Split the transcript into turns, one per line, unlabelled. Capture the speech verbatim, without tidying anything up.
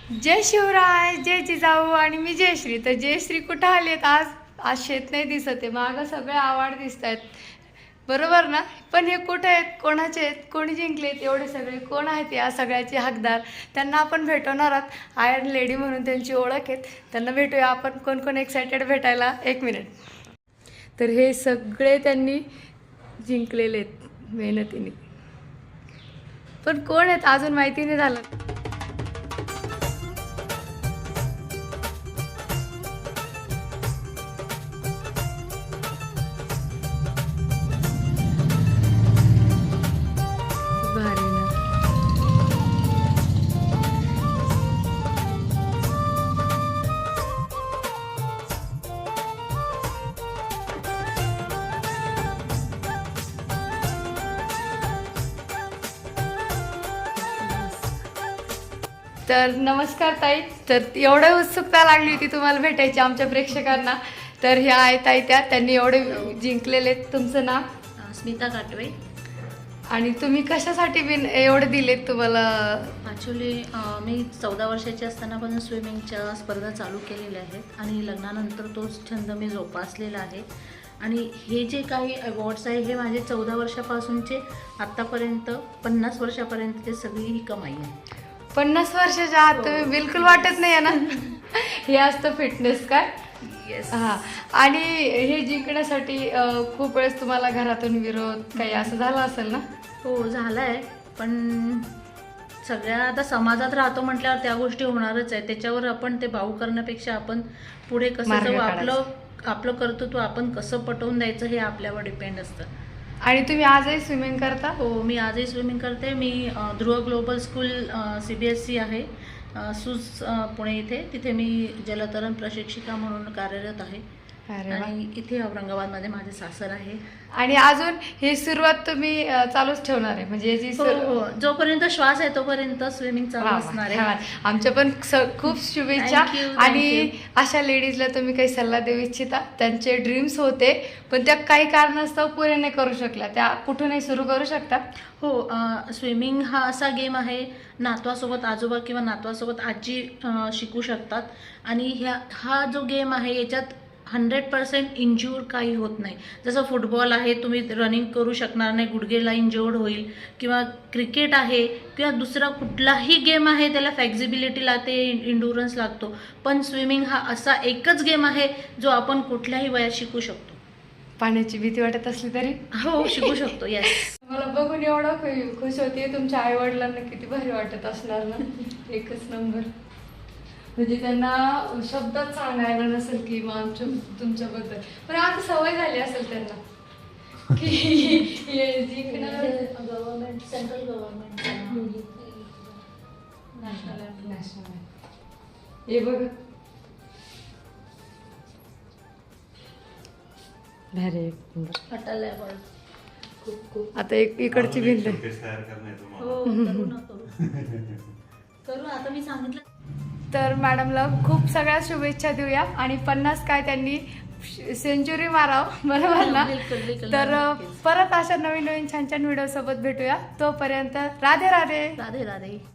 जय शिवराय, जय जिजाऊ आणि मी जयश्री. तर जयश्री कुठं आलेत आज? आज शेत नाही दिसत आहे, मागं सगळे आवाड दिसत आहेत, बरोबर ना? पण हे कुठे आहेत, कोणाचे आहेत, कोणी जिंकलेत, एवढे सगळे कोण आहेत या सगळ्याचे हकदार? त्यांना आपण भेटवणार आहोत. आयर्न लेडी म्हणून त्यांची ओळख आहेत, त्यांना भेटूया आपण. कोण कोण एक्सायटेड भेटायला? एक मिनिट. तर हे सगळे त्यांनी जिंकलेले आहेत मेहनतीने, पण कोण आहेत अजून माहिती नाही झालं. भारी ना. तर नमस्कार ताई. तर एवढं उत्सुकता लागली होती तुम्हाला भेटायची आमच्या प्रेक्षकांना. तर ह्या आहेत ताई, त्या त्यांनी एवढे जिंकलेले. तुमचं नाव?
स्मिता काटवे.
आणि तुम्ही कशासाठी बिन एवढे दिलेत तुम्हाला?
ॲक्च्युली मी चौदा वर्षाची असतानापासून स्विमिंगच्या स्पर्धा चालू केलेल्या आहेत आणि लग्नानंतर तोच छंद मी जोपासलेला आहे. आणि हे जे काही अवॉर्ड्स आहे हे माझे चौदा वर्षापासूनचे आत्तापर्यंत पन्नास वर्षापर्यंतची सगळी ही कमाई आहे.
पन्नास वर्षाच्या आत तुम्ही बिलकुल वाटत नाही आहे ना. हे असतं फिटनेस काय?
येस.
हां. आणि हे जिंकण्यासाठी अं, खूप वेळेस तुम्हाला घरातून विरोध काही असं झालं असेल ना?
हो झालं आहे, पण सगळ्या आता समाजात राहतो म्हटल्यावर त्या गोष्टी होणारच आहे. त्याच्यावर आपण ते भाऊ करण्यापेक्षा आपण पुढे कसं
मार्ग
जाऊ,
काढायचा.
आपलं आपलं कर्तृत्व आपण कसं पटवून द्यायचं हे आपल्यावर डिपेंड असतं.
आणि तुम्ही आजही स्विमिंग करता?
हो, मी आजही स्विमिंग करते. मी अ, Dhruv global school C B S C आहे, अ, सूज अ, पुणे इथे. तिथे मी जलतरण प्रशिक्षिका म्हणून कार्यरत आहे.
अरे वा.
आणि इथे औरंगाबादमध्ये माझे सासर आहे.
आणि अजून ही सुरुवात तुम्ही अं, चालूच ठेवणार आहे म्हणजे याची
हो
सुरु-
हो, जोपर्यंत श्वास आहे तोपर्यंत स्विमिंग चालू
वा वा,
असणार
छान.
आहे.
आमच्या पण स- खूप शुभेच्छा.
Thank you, thank
आणि
you.
अशा लेडीजला तुम्ही काही सल्ला देऊ इच्छिता? त्यांचे ड्रीम्स होते पण त्या काही कारणास्तव पुरे नाही करू शकल्या, त्या कुठूनही सुरू करू शकता?
हो, स्विमिंग हा असा गेम आहे, नातवासोबत आजोबा किंवा नातवासोबत आजी अ, शिकू शकतात. आणि ह्या हा जो गेम आहे याच्यात हंड्रेड पर्सेंट इंज्युअर काही होत नाही. जसं फुटबॉल आहे, तुम्ही रनिंग करू शकणार नाही, गुडघेला इंज्युअर्ड होईल. किंवा क्रिकेट आहे किंवा दुसरा कुठलाही गेम आहे, त्याला फ्लेक्झिबिलिटी लागते, इंडुरन्स लागतो. पण स्विमिंग हा असा एकच गेम आहे जो आपण कुठल्याही वयात शिकू शकतो.
पाण्याची भीती वाटत असली तरी
हो, शिकू शकतो. येस.
मला बघून एवढं खु- खुश होते. तुमच्या आई वडिलांना किती भारी वाटत असणार ना. एकच नंबर. म्हणजे त्यांना शब्दात सांगायला नसेल की मग आमच्या तुमच्याबद्दल, पण आता सवय झाली असेल त्यांना की हे जिंकणार.
Government, central government, national
national हे बघ. भारी.
अटल अवॉर्ड. खूप खूप.
आता एक इकडची भिंत आहे.
तयार करणे तुम्हाला.
हो, करू ना, करू. करू आता मी सांगितलं.
तर मॅडमला खूप सगळ्या शुभेच्छा देऊया. आणि पन्नास काय त्यांनी सेंचुरी मारावं, बरोबर ना?
बिलकुल, बिलकुल.
तर परत अशा नवीन नवीन छान छान व्हिडिओ सोबत भेटूया. तोपर्यंत राधे राधे.
राधे राधे.